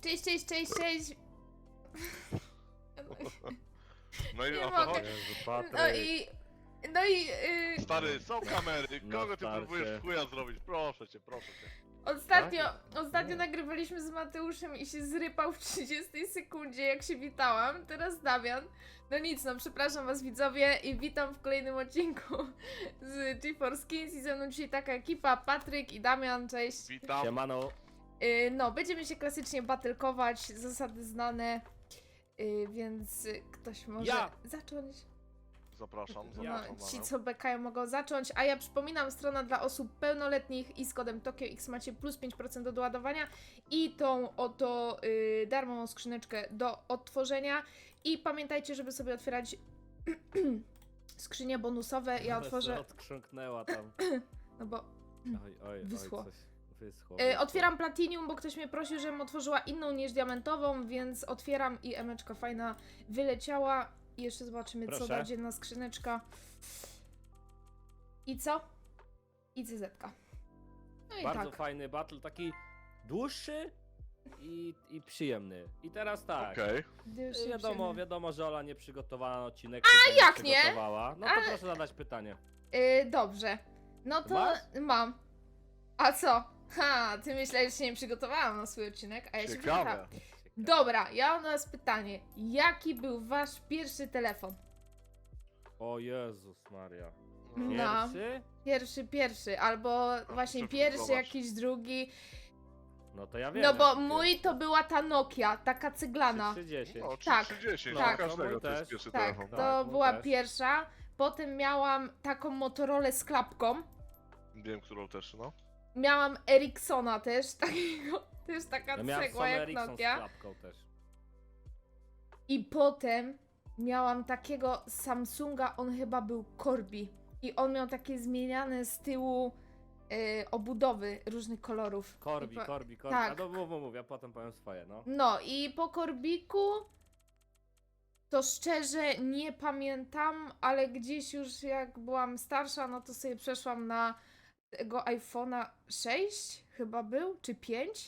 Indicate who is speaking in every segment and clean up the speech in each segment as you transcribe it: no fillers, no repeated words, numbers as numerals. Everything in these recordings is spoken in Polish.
Speaker 1: Cześć.
Speaker 2: No i
Speaker 1: Nie
Speaker 2: o
Speaker 1: mogę.
Speaker 2: to chodzi.
Speaker 3: Jezu, Patryk.
Speaker 1: No i
Speaker 2: Stary, są kamery,
Speaker 3: No
Speaker 2: kogo ty
Speaker 3: starcie.
Speaker 2: próbujesz w chuja zrobić? Proszę cię.
Speaker 1: ostatnio
Speaker 3: Nie.
Speaker 1: nagrywaliśmy z Mateuszem i się zrypał w 30 sekundzie, jak się witałam. Teraz Damian. No nic, no przepraszam was widzowie i witam w kolejnym odcinku z GeForce Kings i ze mną dzisiaj taka ekipa, Patryk i Damian, cześć.
Speaker 2: Witam.
Speaker 3: Siemano.
Speaker 1: No, będziemy się klasycznie battlekować, zasady znane, więc ktoś może
Speaker 3: Ja!
Speaker 1: zacząć.
Speaker 2: Zapraszam.
Speaker 1: No, ci
Speaker 2: Paweł.
Speaker 1: co bekają mogą zacząć, a ja przypominam, strona dla osób pełnoletnich i z kodem TokioX macie plus 5% do doładowania i tą oto darmową skrzyneczkę do odtworzenia i pamiętajcie, żeby sobie otwierać skrzynie bonusowe, ja
Speaker 3: Ale
Speaker 1: otworzę,
Speaker 3: se odkrząknęła tam.
Speaker 1: no bo
Speaker 3: Oj,
Speaker 1: Wyschło.
Speaker 3: coś wyschło.
Speaker 1: otwieram Platinum, bo ktoś mnie prosił, żebym otworzyła inną niż diamentową, więc otwieram i emeczka fajna wyleciała. I jeszcze zobaczymy, co
Speaker 3: Proszę.
Speaker 1: da dzienna skrzyneczka. I co? I CZ-ka. No i
Speaker 3: Bardzo
Speaker 1: tak.
Speaker 3: fajny battle, taki dłuższy i przyjemny. I teraz tak.
Speaker 2: Okej.
Speaker 1: Gdy się
Speaker 3: Wiadomo, że Ola nie przygotowała na odcinek.
Speaker 1: jak nie?
Speaker 3: Przygotowała. No to
Speaker 1: Ale-
Speaker 3: proszę zadać pytanie.
Speaker 1: Dobrze. No to
Speaker 3: Masz?
Speaker 1: mam. A co? Ha, ty myślałeś, że się nie przygotowałam na swój odcinek, a ja się przygotowałam.
Speaker 2: Ciekawe.
Speaker 1: Dobra, ja mam do was pytanie. Jaki był wasz pierwszy telefon?
Speaker 3: O Jezus Maria.
Speaker 1: No.
Speaker 3: Pierwszy?
Speaker 1: Albo właśnie
Speaker 2: muszę
Speaker 1: pierwszy,
Speaker 2: wygooglować.
Speaker 1: jakiś drugi.
Speaker 3: No to ja wiem.
Speaker 1: No bo
Speaker 3: jaki
Speaker 1: mój
Speaker 3: pierwszy.
Speaker 1: to była ta Nokia, taka cyglana.
Speaker 3: 310.
Speaker 2: No,
Speaker 1: Tak.
Speaker 2: 310,
Speaker 1: Tak.
Speaker 2: dla każdego
Speaker 3: Mój
Speaker 2: to jest
Speaker 3: też.
Speaker 2: pierwszy
Speaker 1: Tak,
Speaker 2: telefon.
Speaker 1: to
Speaker 3: mój
Speaker 1: była
Speaker 3: też.
Speaker 1: pierwsza. Potem miałam taką Motorolę z klapką.
Speaker 2: Wiem, którą też, no.
Speaker 1: Miałam Ericssona też, takiego, też taka
Speaker 3: Ja miałem
Speaker 1: cegła
Speaker 3: Sony
Speaker 1: jak
Speaker 3: Ericsson z
Speaker 1: Nokia.
Speaker 3: klapką też.
Speaker 1: I potem miałam takiego Samsunga, on chyba był Corby. I on miał takie zmieniane z tyłu obudowy różnych kolorów.
Speaker 3: Korbi.
Speaker 1: I po-
Speaker 3: A
Speaker 1: tak.
Speaker 3: to mów, ja potem powiem swoje, no.
Speaker 1: No i po Korbiku to szczerze nie pamiętam, ale gdzieś już jak byłam starsza, no to sobie przeszłam na tego iPhone'a 6 chyba był, czy 5?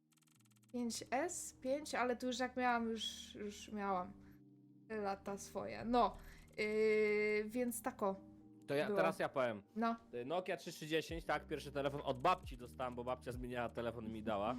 Speaker 1: 5S? 5? Ale tu już jak miałam, już miałam lata swoje. No, więc tako.
Speaker 3: To ja,
Speaker 1: Było.
Speaker 3: teraz ja powiem.
Speaker 1: No,
Speaker 3: Nokia 3310, tak, pierwszy telefon od babci dostałem, bo babcia zmieniała telefon i mi dała.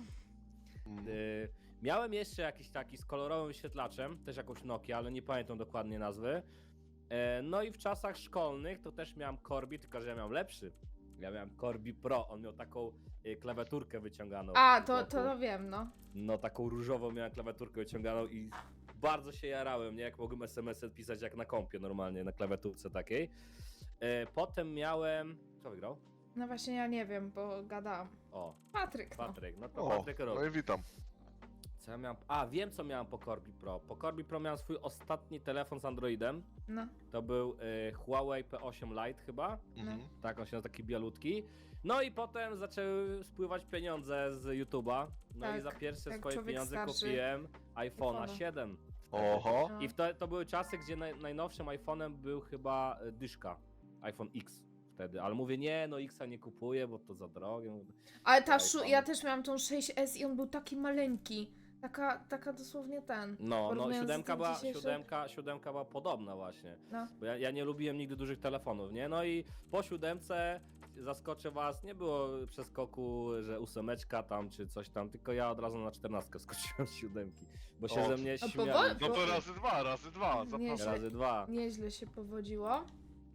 Speaker 3: Miałem jeszcze jakiś taki z kolorowym wyświetlaczem, też jakąś Nokia, ale nie pamiętam dokładnie nazwy. No i w czasach szkolnych to też miałem Corby, tylko że ja miałem lepszy. Ja miałem Corby Pro, on miał taką klawiaturkę wyciąganą.
Speaker 1: a
Speaker 3: z
Speaker 1: to
Speaker 3: boku.
Speaker 1: wiem, no.
Speaker 3: No taką różową miałem klawiaturkę wyciąganą i bardzo się jarałem, nie? Jak mogłem SMS-y pisać jak na kompie normalnie, na klawiaturce takiej. Potem miałem... Kto wygrał?
Speaker 1: No właśnie ja nie wiem, bo gadałam.
Speaker 3: O,
Speaker 1: Patryk, no.
Speaker 3: Patryk. No to
Speaker 2: O,
Speaker 3: Patryk robi.
Speaker 2: no i witam.
Speaker 3: Co ja miałem? A, wiem co miałem po Corby Pro. Po Corby Pro miałem swój ostatni telefon z Androidem.
Speaker 1: No,
Speaker 3: To był Huawei P8 Lite chyba.
Speaker 2: Mhm.
Speaker 3: Tak, on się nazywa, taki bialutki. No i potem zaczęły spływać pieniądze z YouTube'a. No
Speaker 1: Tak,
Speaker 3: i za pierwsze
Speaker 1: jak
Speaker 3: swoje
Speaker 1: człowiek
Speaker 3: pieniądze
Speaker 1: starszy.
Speaker 3: kupiłem iPhone'a
Speaker 1: iPhone'a.
Speaker 3: 7.
Speaker 2: Oho.
Speaker 1: no.
Speaker 3: I to były czasy, gdzie najnowszym iPhone'em był chyba dyszka. iPhone X wtedy. Ale mówię, nie, no X'a nie kupuję, bo to za drogie.
Speaker 1: Ale
Speaker 3: iPhone.
Speaker 1: ja też miałam tą 6S i on był taki maleńki. Taka dosłownie ten.
Speaker 3: No,
Speaker 1: Porównując z
Speaker 3: siódemka
Speaker 1: tym
Speaker 3: była,
Speaker 1: dzisiejszym.
Speaker 3: siódemka była podobna właśnie.
Speaker 1: No.
Speaker 3: Bo ja nie lubiłem nigdy dużych telefonów, nie? No i po siódemce, zaskoczę was, nie było przeskoku, że ósemeczka tam czy coś tam, tylko ja od razu na 14 skoczyłem z siódemki, bo się
Speaker 2: O,
Speaker 3: ze mnie
Speaker 1: a
Speaker 3: śmiali.
Speaker 2: No to razy dwa,
Speaker 1: Nie,
Speaker 2: zapraszam.
Speaker 3: Razy dwa.
Speaker 1: Nieźle się powodziło.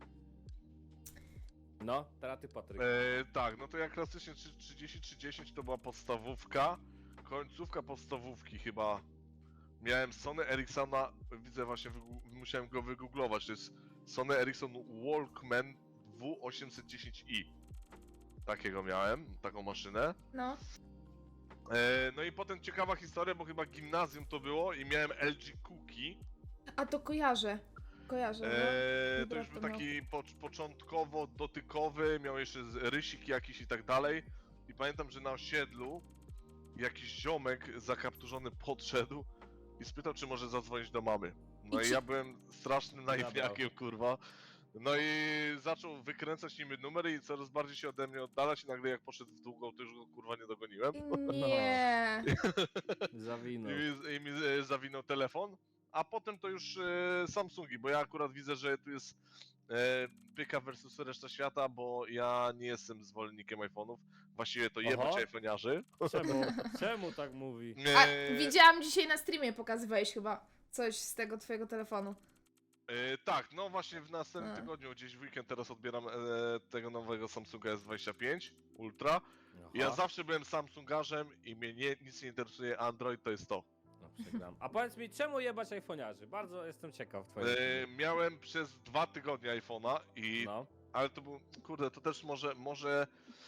Speaker 3: No, teraz ty Patryk.
Speaker 2: Tak, no to ja klasycznie 30-30 to była podstawówka. Końcówka podstawówki chyba. Miałem Sony Ericssona, widzę właśnie, musiałem go wygooglować. To jest Sony Ericsson Walkman W810i. Takiego miałem, taką maszynę.
Speaker 1: No.
Speaker 2: No i potem ciekawa historia, bo chyba gimnazjum to było i miałem LG Cookie.
Speaker 1: A to kojarzę. Kojarzę, no.
Speaker 2: To
Speaker 1: Dobra,
Speaker 2: już był
Speaker 1: to miał.
Speaker 2: taki początkowo dotykowy, miał jeszcze rysik jakiś i tak dalej. I pamiętam, że na osiedlu jakiś ziomek zakapturzony podszedł i spytał, czy może zadzwonić do mamy. No
Speaker 1: I
Speaker 2: i
Speaker 1: czy-
Speaker 2: ja byłem strasznym naiwniakiem, kurwa. No i zaczął wykręcać niby numery i coraz bardziej się ode mnie oddalać i nagle jak poszedł w długą, to już go kurwa nie dogoniłem.
Speaker 1: Nie.
Speaker 3: Zawinął.
Speaker 2: I mi zawinął telefon, a potem to już Samsungi, bo ja akurat widzę, że tu jest pyka versus reszta świata, bo ja nie jestem zwolennikiem iPhone'ów. Właściwie to jebać
Speaker 3: Oho.
Speaker 2: iPhone'iarzy.
Speaker 3: Czemu? Czemu tak mówi?
Speaker 1: A widziałam dzisiaj na streamie, pokazywałeś chyba coś z tego twojego telefonu.
Speaker 2: Tak, no właśnie w następnym
Speaker 1: A.
Speaker 2: tygodniu, gdzieś w weekend teraz odbieram tego nowego Samsunga S25 Ultra. Ja
Speaker 3: Aha.
Speaker 2: zawsze byłem Samsungarzem i mnie nic nie interesuje Android, to jest to.
Speaker 3: No, przegram. A powiedz mi, czemu jebać iPhone'iarzy? Bardzo jestem ciekaw twojej opinii.
Speaker 2: Miałem przez 2 tygodnie iPhone'a i
Speaker 3: No.
Speaker 2: ale to był, kurde, to też może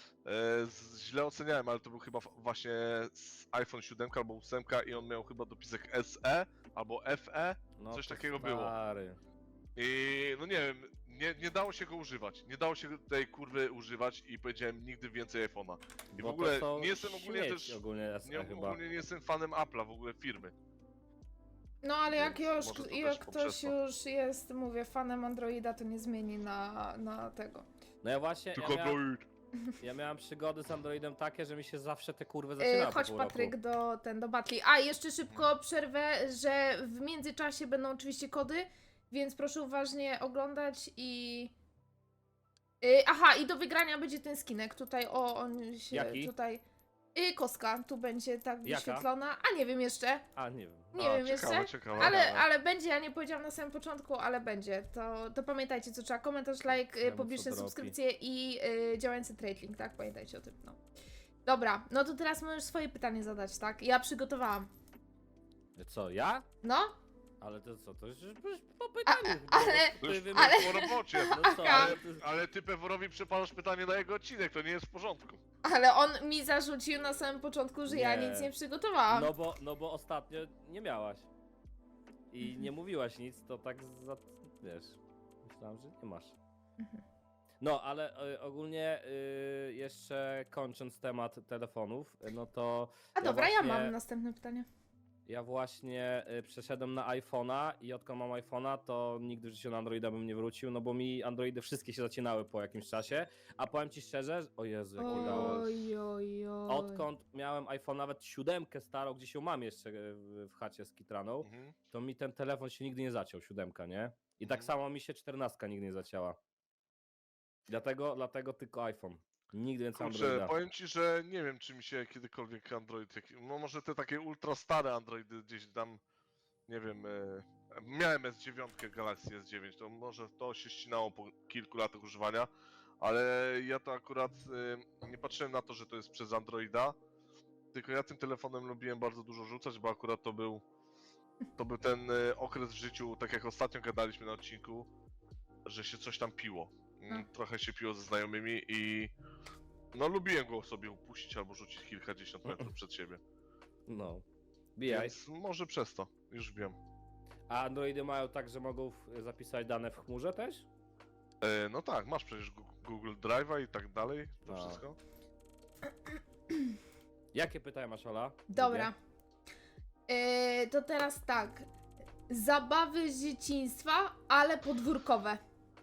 Speaker 2: źle oceniałem, ale to był chyba właśnie iPhone 7 albo 8 i on miał chyba dopisek SE albo FE
Speaker 3: No
Speaker 2: coś
Speaker 3: to
Speaker 2: takiego było.
Speaker 3: stary.
Speaker 2: I no nie wiem, nie dało się go używać, nie dało się tej kurwy używać i powiedziałem nigdy więcej iPhone'a. I w
Speaker 3: Bo to
Speaker 2: ogóle
Speaker 3: są
Speaker 2: nie jestem ogólnie
Speaker 3: śmieci
Speaker 2: też,
Speaker 3: ogólnie SE chyba.
Speaker 2: ogólnie nie jestem fanem Apple'a w ogóle firmy.
Speaker 1: No ale jak
Speaker 2: Więc
Speaker 1: już,
Speaker 2: może to
Speaker 1: jak
Speaker 2: też
Speaker 1: ktoś
Speaker 2: poprzez to.
Speaker 1: już jest, mówię, fanem Androida, to nie zmieni na tego.
Speaker 3: No ja właśnie,
Speaker 2: Tylko Android.
Speaker 3: ja miałem przygody z Androidem takie, że mi się zawsze te kurwy zaczynały
Speaker 1: Chodź
Speaker 3: po pół roku.
Speaker 1: Patryk do Batli. A, jeszcze szybko przerwę, że w międzyczasie będą oczywiście kody, więc proszę uważnie oglądać i... aha, i do wygrania będzie ten skinek. Tutaj, on się
Speaker 3: Jaki?
Speaker 1: tutaj... Kostka, tu będzie tak
Speaker 3: Jaka?
Speaker 1: wyświetlona. A nie wiem jeszcze.
Speaker 3: A, nie wiem.
Speaker 1: Nie wiem jeszcze.
Speaker 2: Ciekawe.
Speaker 1: Ale będzie, ja nie powiedziałam na samym początku, ale będzie. To pamiętajcie, co trzeba. Komentarz, like,
Speaker 3: Czemu
Speaker 1: pobieżne
Speaker 3: co dropi?
Speaker 1: subskrypcje i działający trade link, tak? Pamiętajcie o tym, no. Dobra, no to teraz możesz swoje pytanie zadać, tak? Ja przygotowałam.
Speaker 3: Co, ja?
Speaker 1: No?
Speaker 3: Ale to co, to już po pytaniu.
Speaker 1: ale-
Speaker 2: To już
Speaker 3: Ty
Speaker 2: ale...
Speaker 3: wymyśl-
Speaker 2: po robocie.
Speaker 3: No co, ale ty...
Speaker 2: Ale ty Peworowi przepalasz pytanie na jego odcinek, to nie jest w porządku.
Speaker 1: Ale on mi zarzucił na samym początku, że ja
Speaker 3: Nie.
Speaker 1: nic nie przygotowałam.
Speaker 3: No bo ostatnio nie miałaś. I
Speaker 1: Mhm.
Speaker 3: nie mówiłaś nic, to tak wiesz, myślałam, że nie masz.
Speaker 1: Mhm.
Speaker 3: No, ale ogólnie jeszcze kończąc temat telefonów, no to
Speaker 1: A dobra, ja
Speaker 3: właśnie-
Speaker 1: mam następne pytanie.
Speaker 3: ja właśnie przeszedłem na iPhone'a i odkąd mam iPhone'a, to nigdy w życiu na Androida bym nie wrócił, no bo mi Androidy wszystkie się zacinały po jakimś czasie, a powiem ci szczerze, o Jezu, jaki dałem.
Speaker 1: Oj, oj, oj.
Speaker 3: Odkąd miałem iPhone, nawet 7 starą, gdzieś ją mam jeszcze w chacie z Kitraną,
Speaker 2: Mhm.
Speaker 3: to mi ten telefon się nigdy nie zaciął, 7, nie? I tak
Speaker 2: Mhm.
Speaker 3: samo mi się 14 nigdy nie zacięła. Dlatego tylko iPhone. Nigdy więcej
Speaker 2: Kurczę,
Speaker 3: Androida.
Speaker 2: powiem ci, że nie wiem, czy mi się kiedykolwiek Android, no może te takie ultra stare Androidy gdzieś tam, nie wiem, miałem S9, Galaxy S9, to może to się ścinało po kilku latach używania, ale ja to akurat nie patrzyłem na to, że to jest przez Androida, tylko ja tym telefonem lubiłem bardzo dużo rzucać, bo akurat to był ten okres w życiu, tak jak ostatnio gadaliśmy na odcinku, że się coś tam piło. Trochę się piło ze znajomymi i no lubiłem go sobie upuścić albo rzucić kilkadziesiąt metrów przed siebie.
Speaker 3: No. Bijaj.
Speaker 2: Więc może przez to, już wiem.
Speaker 3: A Androidy mają tak, że mogą zapisać dane w chmurze też?
Speaker 2: No tak, masz przecież Google Drive'a i tak dalej, to
Speaker 3: A.
Speaker 2: wszystko.
Speaker 3: Jakie pytania masz, Ola?
Speaker 1: Dobra. To teraz tak. Zabawy z dzieciństwa, ale podwórkowe.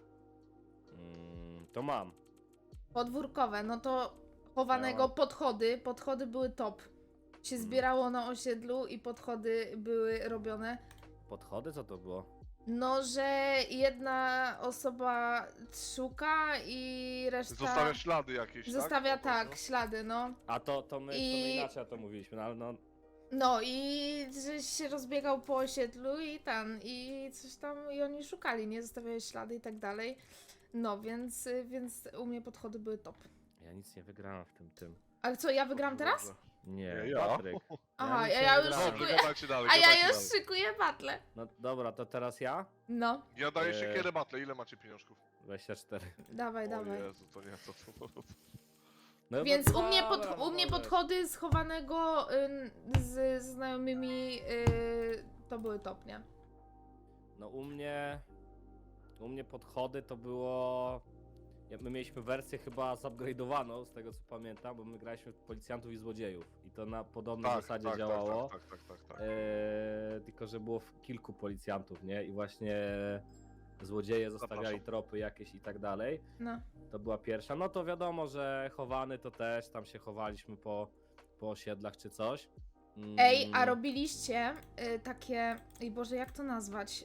Speaker 3: To mam.
Speaker 1: Podwórkowe, no to chowanego
Speaker 3: Miałam.
Speaker 1: podchody. Podchody były top. Się zbierało na osiedlu i podchody były robione.
Speaker 3: Podchody? Co to było?
Speaker 1: No, że jedna osoba szuka i reszta
Speaker 2: Zostawia ślady jakieś,
Speaker 1: zostawia
Speaker 2: tak? Po
Speaker 1: tak,
Speaker 2: prostu?
Speaker 1: ślady, no.
Speaker 3: A to my inaczej to mówiliśmy, no ale no...
Speaker 1: No i że się rozbiegał po osiedlu i coś tam, i oni szukali, nie? Zostawiały ślady i tak dalej. No, więc u mnie podchody były top.
Speaker 3: Ja nic nie wygrałem w tym.
Speaker 1: Ale co, ja wygram teraz?
Speaker 2: Dobrze.
Speaker 3: Nie,
Speaker 2: Ja?
Speaker 3: Patryk.
Speaker 1: Aha,
Speaker 3: nic nie
Speaker 1: ja już
Speaker 3: wygrałem.
Speaker 2: Dobrze,
Speaker 1: szykuję,
Speaker 2: gadajcie dalej,
Speaker 1: a ja
Speaker 2: gadajcie
Speaker 1: już
Speaker 2: dalej.
Speaker 1: szykuję battle.
Speaker 3: No dobra, to teraz ja?
Speaker 1: No,
Speaker 2: Ja daję
Speaker 3: Eee.
Speaker 2: siekierę battle, ile macie pieniążków?
Speaker 3: 24.
Speaker 1: dawaj,
Speaker 2: O
Speaker 1: dawaj.
Speaker 2: Jezu, to nie, to...
Speaker 3: No,
Speaker 1: Więc
Speaker 3: no
Speaker 1: u mnie,
Speaker 3: dobra,
Speaker 1: u mnie
Speaker 3: dobra.
Speaker 1: podchody schowanego z znajomymi to były top, nie?
Speaker 3: No u mnie podchody to było... My mieliśmy wersję chyba zupgrade'owaną, z tego co pamiętam, bo my graliśmy w policjantów i złodziejów. I to na podobnej zasadzie działało.
Speaker 2: Tak.
Speaker 3: Tylko, że było kilku policjantów, nie? I właśnie złodzieje zostawiali
Speaker 2: Zapraszam.
Speaker 3: tropy jakieś i tak dalej.
Speaker 1: No.
Speaker 3: To była pierwsza. No to wiadomo, że chowany to też, tam się chowaliśmy po osiedlach czy coś.
Speaker 1: Ej, a robiliście takie... Ej Boże, jak to nazwać?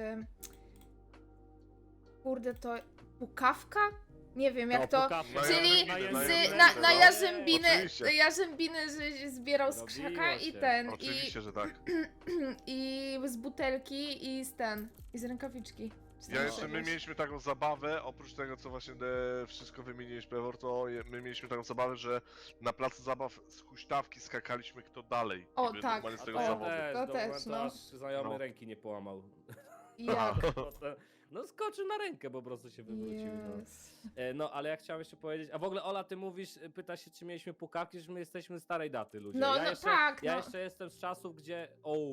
Speaker 1: Kurde, to... Pukawka? Nie wiem, jak to...
Speaker 3: pukawka.
Speaker 1: Czyli
Speaker 2: Jarzębiny,
Speaker 1: na
Speaker 2: no.
Speaker 1: jarzębiny,
Speaker 2: Oczywiście.
Speaker 1: jarzębiny, że się zbierał z
Speaker 3: Robiło
Speaker 1: krzaka i
Speaker 3: się.
Speaker 1: ten,
Speaker 2: Oczywiście, że tak.
Speaker 1: i z butelki i z rękawiczki. Czy
Speaker 2: Ja
Speaker 1: tam
Speaker 2: jeszcze, my
Speaker 1: czegoś.
Speaker 2: mieliśmy taką zabawę, oprócz tego co właśnie wszystko wymieniłeś Pewor, to my mieliśmy taką zabawę, że na placu zabaw z huśtawki skakaliśmy kto dalej.
Speaker 1: O,
Speaker 2: Jakby
Speaker 1: tak.
Speaker 2: normalnie z tego
Speaker 1: O,
Speaker 2: zawodu.
Speaker 1: To
Speaker 3: do
Speaker 1: też,
Speaker 3: momentu,
Speaker 1: no.
Speaker 3: aż znajomy
Speaker 2: No.
Speaker 3: ręki nie połamał.
Speaker 1: Jak?
Speaker 3: No skoczył na rękę, po prostu się wywrócił. No.
Speaker 1: Yes.
Speaker 3: No, ale ja chciałem jeszcze powiedzieć, a w ogóle Ola, ty mówisz, pytasz się, czy mieliśmy pukawki, że my jesteśmy starej daty, ludzie.
Speaker 1: No,
Speaker 3: ja
Speaker 1: no
Speaker 3: jeszcze,
Speaker 1: tak,
Speaker 3: Ja
Speaker 1: no.
Speaker 3: jeszcze jestem z czasów, gdzie,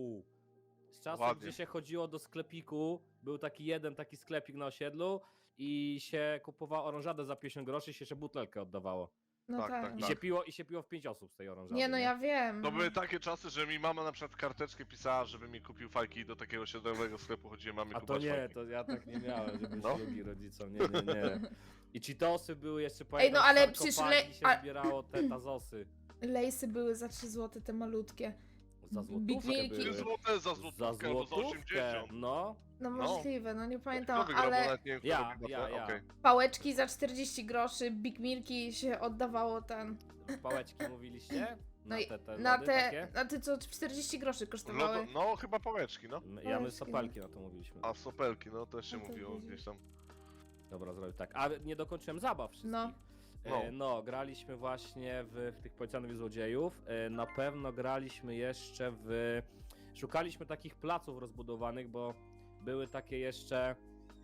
Speaker 3: z czasów,
Speaker 2: Ładnie.
Speaker 3: gdzie się chodziło do sklepiku, był taki jeden taki sklepik na osiedlu i się kupowało orężadę za 50 groszy i się jeszcze butelkę oddawało.
Speaker 1: No
Speaker 2: Tak,
Speaker 1: tak.
Speaker 2: tak,
Speaker 3: I,
Speaker 2: tak.
Speaker 3: się piło w 5 osób z tej orężady.
Speaker 1: Nie, no ja wiem.
Speaker 2: To
Speaker 1: no.
Speaker 2: były takie czasy, że mi mama na przykład karteczkę pisała, żeby mi kupił fajki i do takiego osiedlowego sklepu chodziłem, mamy
Speaker 3: A to
Speaker 2: kupować
Speaker 3: nie,
Speaker 2: fajki.
Speaker 3: to ja tak nie miałem, żeby
Speaker 2: No.
Speaker 3: ślubi rodzicom, nie. I cheatosy były jeszcze, pamiętam,
Speaker 1: no ale
Speaker 3: w
Speaker 1: przecież
Speaker 3: sarkofagi się zbierało te tazosy.
Speaker 1: Lejsy były za 3 zł, te malutkie.
Speaker 3: Za
Speaker 1: Big
Speaker 3: złotówkę
Speaker 1: Milki.
Speaker 2: 3
Speaker 3: były.
Speaker 2: złote za złotówkę albo za 80.
Speaker 3: No.
Speaker 1: No
Speaker 2: No.
Speaker 1: możliwe, no nie
Speaker 2: Kto
Speaker 1: pamiętam,
Speaker 2: wygrał, bo
Speaker 1: ale
Speaker 2: nawet nie wiem, kto
Speaker 3: Ja,
Speaker 2: robi
Speaker 3: ja,
Speaker 2: battle.
Speaker 3: ja.
Speaker 2: Okej.
Speaker 1: pałeczki za 40 groszy, Big Milki się oddawało ten.
Speaker 3: Pałeczki mówiliście?
Speaker 1: No i
Speaker 3: te
Speaker 1: na
Speaker 3: lody
Speaker 1: te,
Speaker 3: takie?
Speaker 1: na te co 40 groszy kosztowały.
Speaker 2: Lodo, no chyba pałeczki, no.
Speaker 3: Ja my
Speaker 1: Pałeczki,
Speaker 3: sopelki na to mówiliśmy.
Speaker 2: A sopelki, no też się
Speaker 1: No to
Speaker 2: mówiło
Speaker 1: widzisz.
Speaker 2: gdzieś tam.
Speaker 3: Dobra, zrobię tak. A nie dokończyłem zabaw wszystkich.
Speaker 1: No.
Speaker 3: No, graliśmy właśnie w tych policjantów i złodziejów. Na pewno graliśmy jeszcze szukaliśmy takich placów rozbudowanych, bo były takie jeszcze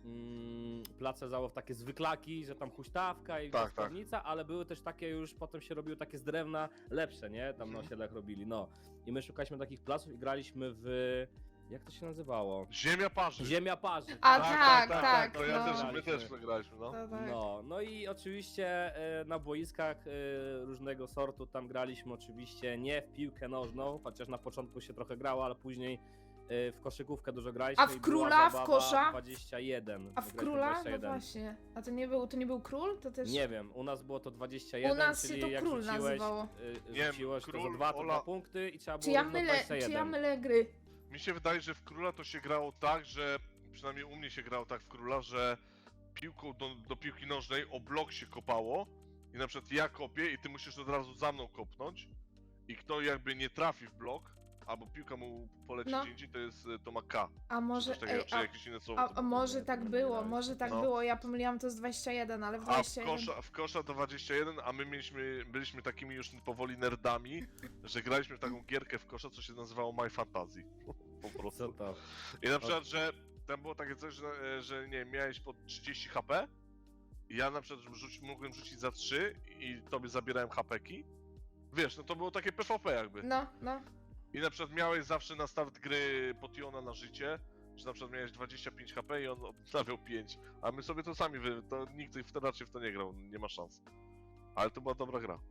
Speaker 3: place zabaw, takie zwyklaki, że tam huśtawka i
Speaker 2: Tak,
Speaker 3: gospodarnica, ale były też takie już, potem się robiły takie z drewna lepsze, nie? Tam na osiedlach robili, no. I my szukaliśmy takich placów i graliśmy jak to się nazywało?
Speaker 2: Ziemia parzy.
Speaker 3: Ziemia parzy.
Speaker 1: A tak,
Speaker 2: To ja
Speaker 1: no.
Speaker 2: też, my też graliśmy, no.
Speaker 1: To tak.
Speaker 3: No i oczywiście na boiskach różnego sortu tam graliśmy oczywiście nie w piłkę nożną, chociaż na początku się trochę grało, ale później w koszykówkę dużo graliśmy.
Speaker 1: A w
Speaker 3: i była
Speaker 1: króla, w
Speaker 3: zabawa
Speaker 1: kosza?
Speaker 3: 21.
Speaker 1: A w
Speaker 3: Wygraliśmy
Speaker 1: króla? No
Speaker 3: 21.
Speaker 1: właśnie. A to nie był król? To też...
Speaker 3: Nie wiem, u nas było to 21,
Speaker 1: U nas się
Speaker 3: czyli
Speaker 1: to
Speaker 3: jak
Speaker 1: król
Speaker 3: rzuciłeś,
Speaker 1: nazywało.
Speaker 2: Nie,
Speaker 3: rzuciłeś to za
Speaker 2: król,
Speaker 3: 2 to
Speaker 2: Ola-
Speaker 3: 2 punkty i trzeba
Speaker 1: Czy
Speaker 3: było
Speaker 1: ja
Speaker 3: równo
Speaker 1: mylę,
Speaker 3: 21.
Speaker 1: czy ja mylę gry?
Speaker 2: Mi się wydaje, że w króla to się grało tak, że przynajmniej u mnie się grało tak w króla, że piłką do piłki nożnej o blok się kopało i na przykład ja kopię i ty musisz od razu za mną kopnąć i kto jakby nie trafi w blok, albo piłka mu poleci
Speaker 1: No.
Speaker 2: gdzie indziej, to ma K.
Speaker 1: A może,
Speaker 2: Czy, coś takiego,
Speaker 1: ej,
Speaker 2: czy jakieś inne słowo.
Speaker 1: a
Speaker 2: to było.
Speaker 1: może tak było, może tak
Speaker 2: No.
Speaker 1: było. Ja pomyliłam to z 21, ale w
Speaker 2: A
Speaker 1: 21...
Speaker 2: w kosza to 21, a my byliśmy takimi już powoli nerdami, że graliśmy w taką gierkę w kosza, co się nazywało My Fantasy. Po
Speaker 3: Co
Speaker 2: prostu.
Speaker 3: to?
Speaker 2: I na przykład, że tam było takie coś, że nie wiem, miałeś po 30 HP i ja na przykład mogłem rzucić za 3 i tobie zabierałem HP-ki. Wiesz, no to było takie PvP jakby.
Speaker 1: No.
Speaker 2: I na przykład miałeś zawsze na start gry potiona na życie, że na przykład miałeś 25 HP i on odstawiał 5. A my sobie to sami, to nikt raczej w to nie grał, nie ma szans. Ale to była dobra gra.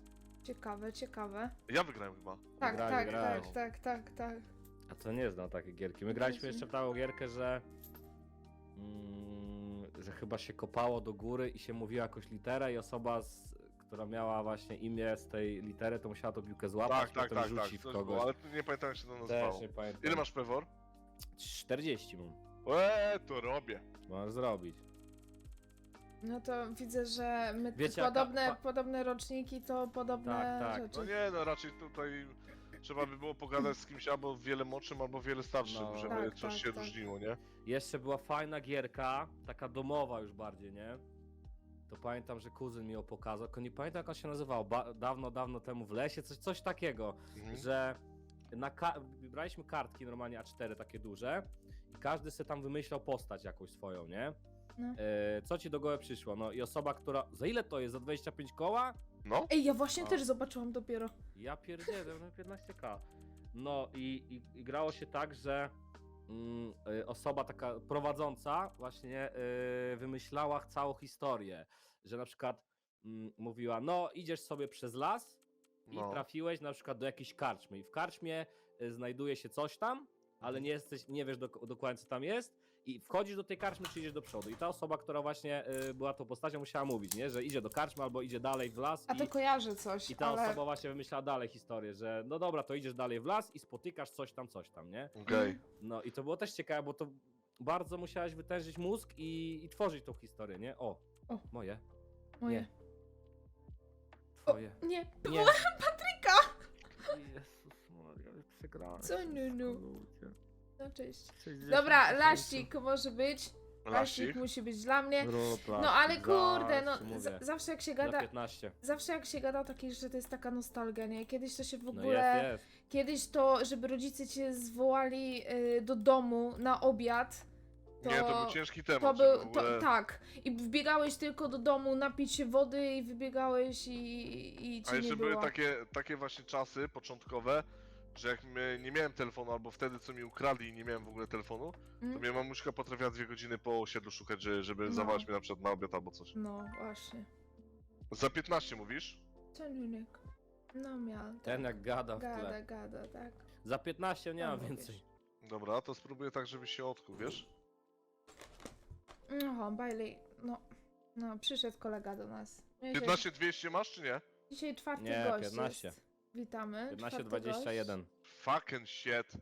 Speaker 1: Ciekawe.
Speaker 2: Ja wygrałem chyba.
Speaker 1: Tak,
Speaker 3: Grali.
Speaker 1: tak.
Speaker 3: A to nie znam takiej gierki. My graliśmy
Speaker 1: Jezu.
Speaker 3: jeszcze w taką gierkę, że chyba się kopało do góry i się mówiła jakąś literę i osoba, która miała właśnie imię z tej litery, to musiała tą piłkę złapać, potem rzuci w
Speaker 2: coś
Speaker 3: kogoś.
Speaker 2: było, ale nie pamiętam jak się to
Speaker 3: Też
Speaker 2: nazywało.
Speaker 3: nie pamiętam.
Speaker 2: Ile masz pewor?
Speaker 3: 40 mam.
Speaker 2: To robię.
Speaker 3: Możesz zrobić.
Speaker 1: No to widzę, że my
Speaker 3: Wiecie, jaka
Speaker 1: podobne roczniki to podobne
Speaker 3: Tak.
Speaker 1: rzeczy.
Speaker 2: No nie, no raczej tutaj trzeba by było pogadać z kimś albo wiele młodszym, albo wiele starszym,
Speaker 3: No.
Speaker 2: żeby
Speaker 1: Tak,
Speaker 2: coś
Speaker 1: tak,
Speaker 2: się
Speaker 1: tak.
Speaker 2: różniło, nie?
Speaker 3: Jeszcze była fajna gierka, taka domowa już bardziej, nie? To pamiętam, że kuzyn mi ją pokazał, tylko nie pamiętam jak on się nazywał, dawno temu w lesie, coś takiego,
Speaker 2: Mhm.
Speaker 3: że braliśmy kartki normalnie A4 takie duże i każdy sobie tam wymyślał postać jakąś swoją, nie?
Speaker 1: No.
Speaker 3: Co ci do głowy przyszło? No i osoba, która... Za ile to jest? Za 25 koła?
Speaker 2: No?
Speaker 1: Ej, ja właśnie
Speaker 3: A.
Speaker 1: też zobaczyłam dopiero.
Speaker 3: Ja pierdzielę, no 15k. No i grało się tak, że osoba taka prowadząca właśnie wymyślała całą historię, że na przykład mówiła, no idziesz sobie przez las i
Speaker 2: No.
Speaker 3: trafiłeś na przykład do jakiejś karczmy i w karczmie znajduje się coś tam, ale nie wiesz dokładnie co tam jest I wchodzisz do tej karczmy, czy idziesz do przodu. I ta osoba, która właśnie była tą postacią, musiała mówić, nie? Że idzie do karczmy albo idzie dalej w las.
Speaker 1: A to kojarzę coś,
Speaker 3: I ta
Speaker 1: ale...
Speaker 3: osoba właśnie wymyślała dalej historię, że no dobra, to idziesz dalej w las i spotykasz coś tam, nie?
Speaker 2: Okej.
Speaker 3: No i to było też ciekawe, bo to bardzo musiałeś wytężyć mózg i tworzyć tą historię, nie? O. Moje.
Speaker 1: Moje.
Speaker 3: Nie. Twoje.
Speaker 1: Nie,
Speaker 3: Nie.
Speaker 1: Patryka!
Speaker 3: Jezus Maria, przegrałem.
Speaker 1: Co, Nunu?
Speaker 3: Ludzie.
Speaker 1: No cześć.
Speaker 3: 60
Speaker 1: Dobra,
Speaker 3: tysięcy.
Speaker 1: laścik może być. Laścik
Speaker 2: Lasik.
Speaker 1: musi być dla mnie.
Speaker 3: Rób
Speaker 1: No
Speaker 3: lasik,
Speaker 1: ale kurde, no
Speaker 3: zaraz ci mówię.
Speaker 1: zawsze jak się
Speaker 3: Za
Speaker 1: gada,
Speaker 3: 15.
Speaker 1: zawsze jak się gada o takich, że to jest taka nostalgia, nie? Kiedyś to się w
Speaker 3: No
Speaker 1: ogóle,
Speaker 3: jest.
Speaker 1: kiedyś to, żeby rodzice cię zwołali do domu na obiad, to,
Speaker 2: Nie, to był ciężki temat,
Speaker 1: to
Speaker 2: żeby
Speaker 1: był,
Speaker 2: w ogóle...
Speaker 1: tak. I wbiegałeś tylko do domu napić się wody i wybiegałeś i
Speaker 2: A
Speaker 1: cię
Speaker 2: jeszcze
Speaker 1: nie
Speaker 2: były
Speaker 1: było.
Speaker 2: takie właśnie czasy początkowe, że jak nie miałem telefonu, albo wtedy co mi ukradli i nie miałem w ogóle telefonu, to
Speaker 1: Mm?
Speaker 2: mnie mamuśka potrafiła 2 godziny po osiedlu szukać, żeby
Speaker 1: No.
Speaker 2: zawołać mnie na przykład na obiad albo coś.
Speaker 1: No właśnie.
Speaker 2: Za 15 mówisz?
Speaker 1: Co Nunek? No miał.
Speaker 3: Ten jak gada w
Speaker 1: Gada,
Speaker 3: tle.
Speaker 1: gada, tak.
Speaker 3: Za 15 nie
Speaker 1: No,
Speaker 3: mam
Speaker 1: mówisz.
Speaker 3: więcej.
Speaker 2: Dobra, to spróbuję tak, żeby się odkuł, wiesz?
Speaker 1: No, Bailey, no, przyszedł kolega do nas. No, jeżeli-
Speaker 2: 15 200 masz czy nie?
Speaker 1: Dzisiaj czwarty
Speaker 3: Nie,
Speaker 1: gość
Speaker 3: 15.
Speaker 1: jest. Witamy.
Speaker 3: 15,
Speaker 1: czwarty
Speaker 3: 21.
Speaker 2: Fucking shit.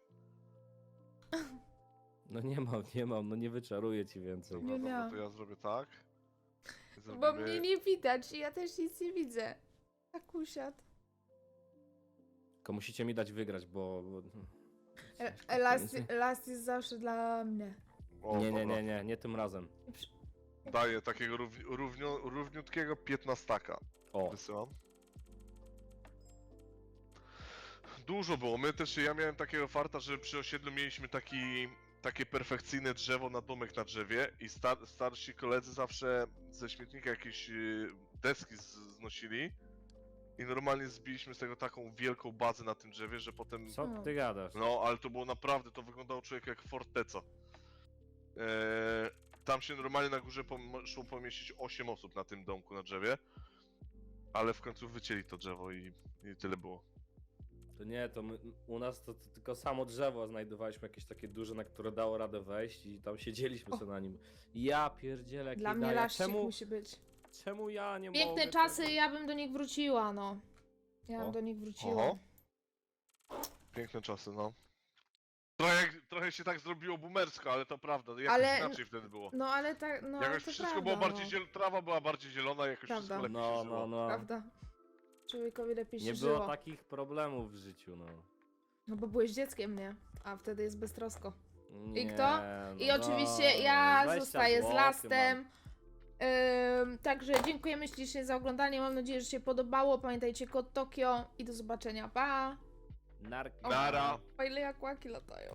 Speaker 3: No nie mam, no nie wyczaruję ci więcej.
Speaker 1: Nie
Speaker 2: Dobra, dobra,
Speaker 1: miałam.
Speaker 2: to ja zrobię tak.
Speaker 1: gość. Bo mnie nie widać i ja też nic nie widzę. Tak usiadł.
Speaker 3: Tylko musicie mi dać wygrać, bo...
Speaker 1: Last jest zawsze dla mnie.
Speaker 2: O,
Speaker 3: Nie,
Speaker 2: dobra.
Speaker 3: nie tym razem.
Speaker 2: Daję takiego równiutkiego 15.
Speaker 3: O,
Speaker 2: Wysyłam. Dużo było. Ja miałem takiego farta, że przy osiedlu mieliśmy takie perfekcyjne drzewo na domek na drzewie i starsi koledzy zawsze ze śmietnika jakieś deski znosili i normalnie zbiliśmy z tego taką wielką bazę na tym drzewie, że potem...
Speaker 3: co ty gadasz?
Speaker 2: No, ale to było naprawdę, to wyglądało człowiek jak forteca. Tam się normalnie na górze szło pomieścić 8 osób na tym domku na drzewie, ale w końcu wycięli to drzewo i tyle było.
Speaker 3: To nie, to u nas to tylko samo drzewo znajdowaliśmy jakieś takie duże, na które dało radę wejść i tam siedzieliśmy sobie na nim. Ja pierdzielę, jak
Speaker 1: Dla
Speaker 3: nie
Speaker 1: mnie
Speaker 3: daję.
Speaker 1: laścik musi być.
Speaker 3: Czemu ja nie
Speaker 1: Piękne
Speaker 3: mogę
Speaker 1: czasy,
Speaker 3: tego?
Speaker 1: ja bym do nich wróciła, no. Ja bym
Speaker 3: O.
Speaker 1: do nich wróciła.
Speaker 2: Oho. Piękne czasy, no. Trochę się tak zrobiło boomersko, ale to prawda, jakoś
Speaker 1: Ale-
Speaker 2: inaczej wtedy było.
Speaker 1: No ale tak, no
Speaker 2: Jakoś
Speaker 1: to
Speaker 2: wszystko
Speaker 1: prawda,
Speaker 2: było bardziej
Speaker 1: no.
Speaker 2: trawa była bardziej zielona, jakoś
Speaker 1: Prawda.
Speaker 2: wszystko lepiej
Speaker 3: No,
Speaker 2: się żyło.
Speaker 3: no.
Speaker 1: Prawda. Człowiekowi lepiej się
Speaker 3: Nie
Speaker 1: żyło.
Speaker 3: było takich problemów w życiu, no.
Speaker 1: No bo byłeś dzieckiem, nie? A wtedy jest beztrosko.
Speaker 3: Nie,
Speaker 1: kto?
Speaker 3: no
Speaker 1: I oczywiście
Speaker 3: dobra,
Speaker 1: ja
Speaker 3: 20
Speaker 1: zostaję z
Speaker 3: złotych
Speaker 1: Lastem. Także dziękujemy ślicznie za oglądanie. Mam nadzieję, że się podobało. Pamiętajcie kod Tokio i do zobaczenia. Pa!
Speaker 3: mam. Narki.
Speaker 2: Nara.
Speaker 1: O ile jak łaki latają.